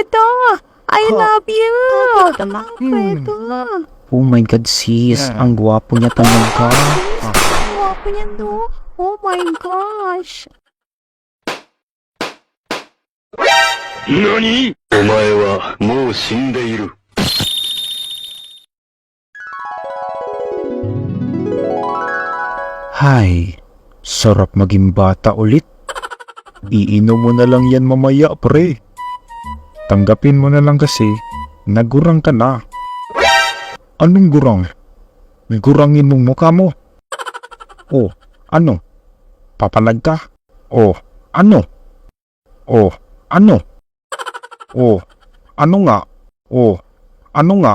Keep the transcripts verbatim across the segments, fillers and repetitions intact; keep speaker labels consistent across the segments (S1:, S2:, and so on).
S1: Fredo! I
S2: Huh.
S1: love you!
S2: Tama.
S1: Fredo!
S2: Oh my God, sis.
S3: Yeah.
S2: Ang gwapo niya talaga.
S1: Ang guwapo niya, no? Oh my gosh!
S4: 何？お前はもう死んでいる。
S2: Hay, sarap maging bata ulit. Iinom mo na lang yan mamaya, pre. Tanggapin mo na lang kasi, nagurang ka na. Anong gurang? Gurangin mong mukha mo. Oh, ano? Papalag ka? Oh, ano? Oh, ano? Oh, ano nga? Oh, ano nga?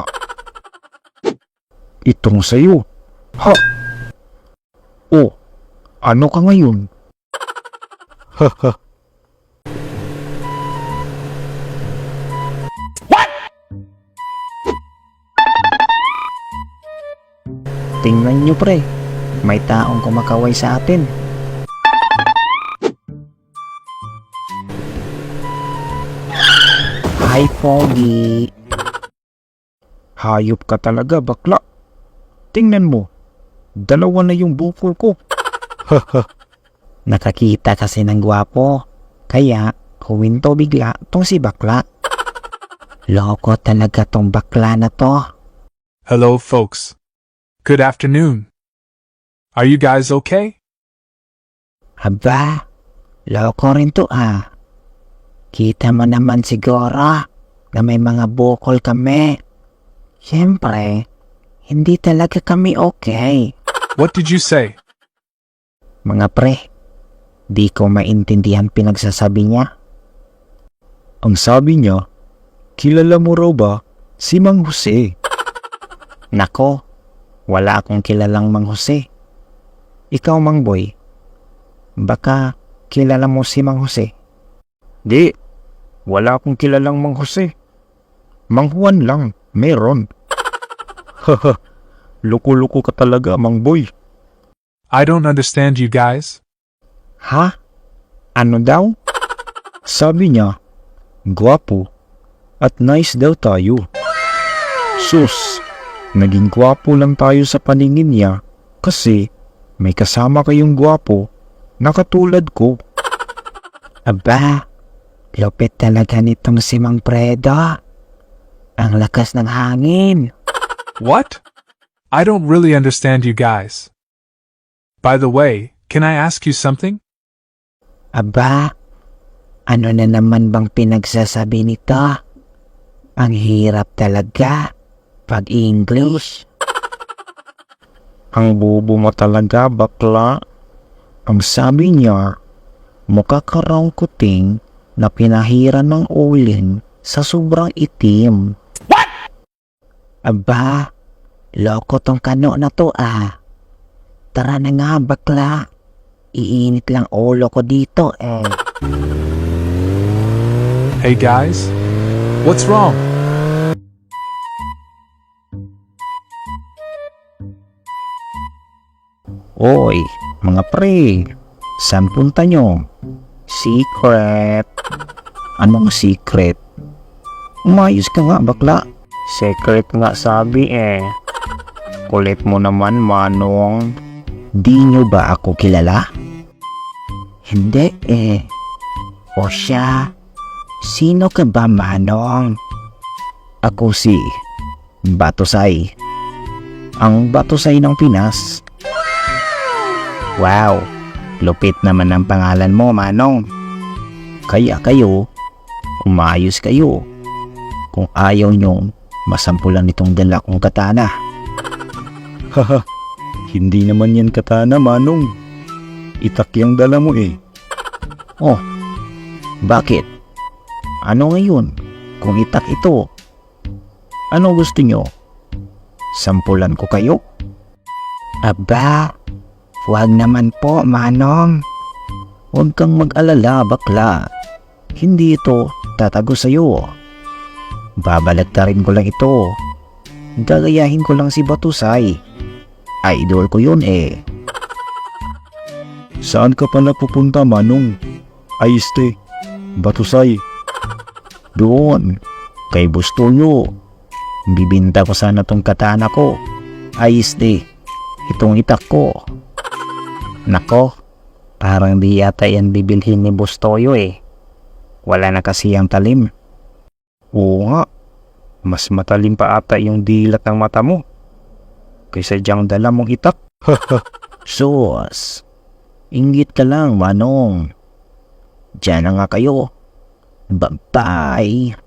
S2: Itong sayo. Ha? Oh, ano ka ngayon? Haha. Tingnan nyo, pre. May taong kumakaway sa atin. Hi, Foggy. Hayop ka talaga, bakla. Tingnan mo. Dalawa na yung bukol ko. Haha. Nakakita kasi ng gwapo. Kaya, huminto bigla tong si bakla. Loko talaga tong bakla na to.
S3: Hello, folks. Good afternoon. Are you guys okay?
S2: Aba, loko rin to ah. Kita mo naman siguro na may mga bukol kami. Siyempre, hindi talaga kami okay.
S3: What did you say?
S2: Mga pre, di ko maintindihan pinagsasabi niya. Ang sabi niya, kilala mo raw ba si Mang Jose? Nako, wala akong kilalang Mang Jose. Ikaw, Mang Boy, baka kilala mo si Mang Jose? Di, wala akong kilalang Mang Jose. Mang Juan lang, meron. Haha, luko-luko ka talaga, Mang Boy.
S3: I don't understand you guys.
S2: Ha? Ano daw? Sabi niya, gwapo at nice daw tayo. Sus, naging gwapo lang tayo sa paningin niya kasi may kasama kayong gwapo na katulad ko. Aba, lupit talaga nitong si Mang Fredo. Ang lakas ng hangin.
S3: What? I don't really understand you guys. By the way, can I ask you something?
S2: Aba, ano na naman bang pinagsasabi nito? Ang hirap talaga pag English. Ang bobo mo talaga, bakla. Ang sabi niya, mukha ka raw kuting na pinahiran ng uling sa sobrang itim. What? Aba, loko tong kano na to ah. Tara na nga, bakla. Iinit lang ulo ko dito eh.
S3: Hey guys, what's wrong?
S2: Oy, mga pre, saan punta nyo? Secret. Anong secret? Umayos ka nga, bakla. Secret nga sabi eh. Kulit mo naman, Manong. Di nyo ba ako kilala? Hindi eh. O siya, sino ka ba, Manong? Ako si Batusay. Ang Batusay ng Pinas. Wow, lupit naman ang pangalan mo, Manong. Kaya kayo, umayos kayo. Kung ayaw nyong masampulan itong dala kong katana. Haha, hindi naman yan katana, Manong. Itak yung dala mo eh. Oh, bakit? Ano ngayon kung itak ito? Ano gusto nyo? Sampulan ko kayo? Aba, huwag naman po, Manong. Huwag kang mag-alala, bakla. Hindi ito tatago sa'yo. Babalagtarin ko lang ito. Gagayahin ko lang si Batusay. Idol ko yun eh. Saan ka pala pupunta, Manong? Ay, este, Batusay. Doon, kay Bustoyo. Bibinta ko sana tong katana ko. Ayos di, itong itak ko. Nako, parang di yata yan bibilhin ni Bustoyo eh. Wala na kasi ang talim. Oo nga, mas matalim pa ata yung dilat ng mata mo kaysa diyang dala mong itak. Sus, inggit ka lang, Manong. Diyan na nga kayo. Bye-bye.